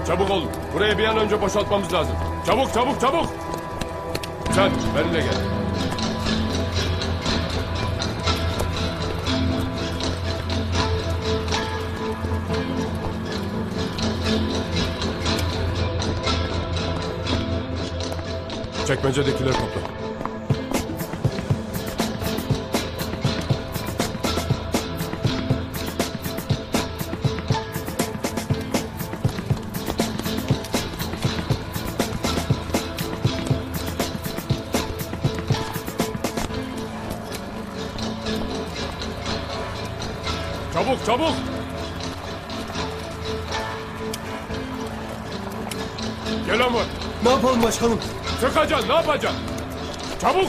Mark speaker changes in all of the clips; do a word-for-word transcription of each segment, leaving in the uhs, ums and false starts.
Speaker 1: Çabuk olun. Burayı bir an önce boşaltmamız lazım. Çabuk çabuk çabuk. Sen benimle gel. Çekmecedekileri topla. Çabuk çabuk. Gel ama.
Speaker 2: Ne yapalım başkanım?
Speaker 1: Sıkacaksın, ne yapacaksın? Çabuk!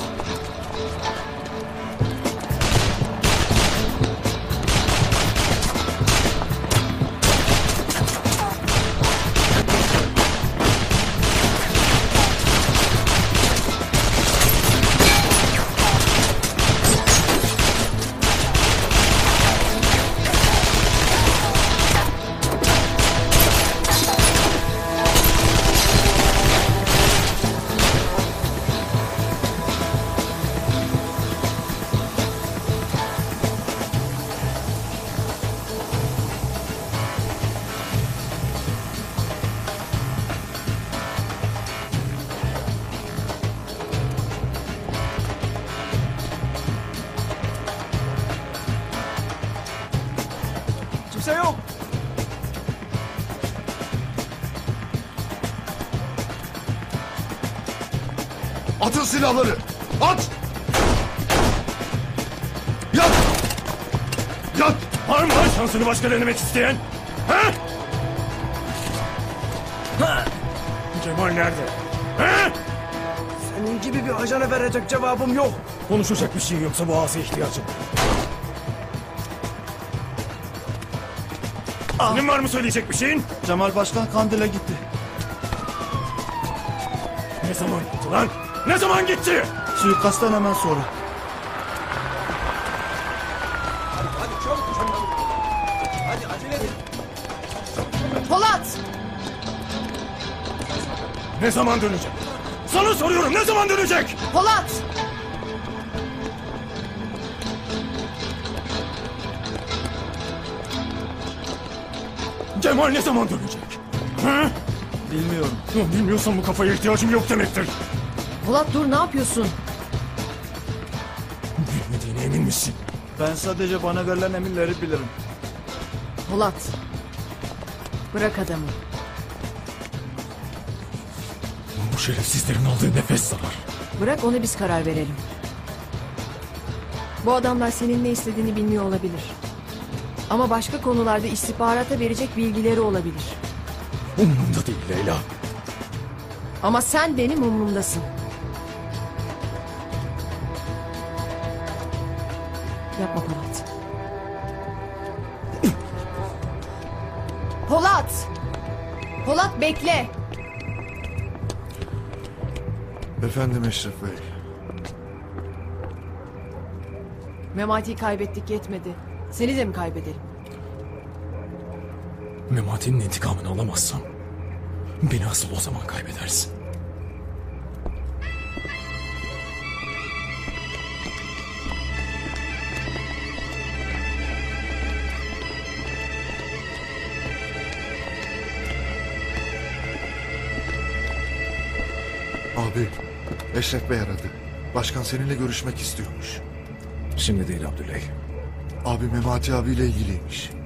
Speaker 2: Kimse yok.
Speaker 3: Atın silahları! At! Yat! Yat!
Speaker 2: Var mı lan şansını başka denemek isteyen? Ha? Ha? Cemal nerede? Ha? Senin gibi bir ajana verecek cevabım yok. Konuşacak bir şey yoksa boğaza ihtiyacım. Senin var mı söyleyecek bir şeyin?
Speaker 4: Cemal Başkan Kandil'e gitti.
Speaker 2: Ne zaman gitti lan? Ne zaman gitti?
Speaker 4: Suikastten hemen sonra.
Speaker 5: Polat!
Speaker 2: Ne zaman dönecek? Sana soruyorum, ne zaman dönecek?
Speaker 5: Polat!
Speaker 2: Cemal ne zaman dönecek? Ha?
Speaker 4: Bilmiyorum.
Speaker 2: Lan bilmiyorsan bu kafaya ihtiyacım yok demektir.
Speaker 5: Polat dur, ne yapıyorsun?
Speaker 2: Bilmediğine emin misin?
Speaker 4: Ben sadece bana verilen emirleri bilirim.
Speaker 5: Polat. Bırak adamı.
Speaker 2: Bu şerefsizlerin aldığı nefes zarar.
Speaker 5: Bırak onu, biz karar verelim. Bu adamlar senin ne istediğini bilmiyor olabilir. Ama başka konularda istihbarata verecek bilgileri olabilir.
Speaker 2: Umurumda değil Leyla.
Speaker 5: Ama sen benim umurumdasın. Yapma Polat. Polat! Polat bekle!
Speaker 3: Efendim Eşref Bey.
Speaker 5: Memati'yi kaybettik, yetmedi. Seni de mi kaybedelim?
Speaker 2: Memati'nin intikamını alamazsam beni asıl o zaman kaybedersin.
Speaker 3: Abi, Eşref Bey aradı. Başkan seninle görüşmek istiyormuş.
Speaker 2: Şimdi değil Abdüley.
Speaker 3: Abi Memati abiyle ilgiliymiş.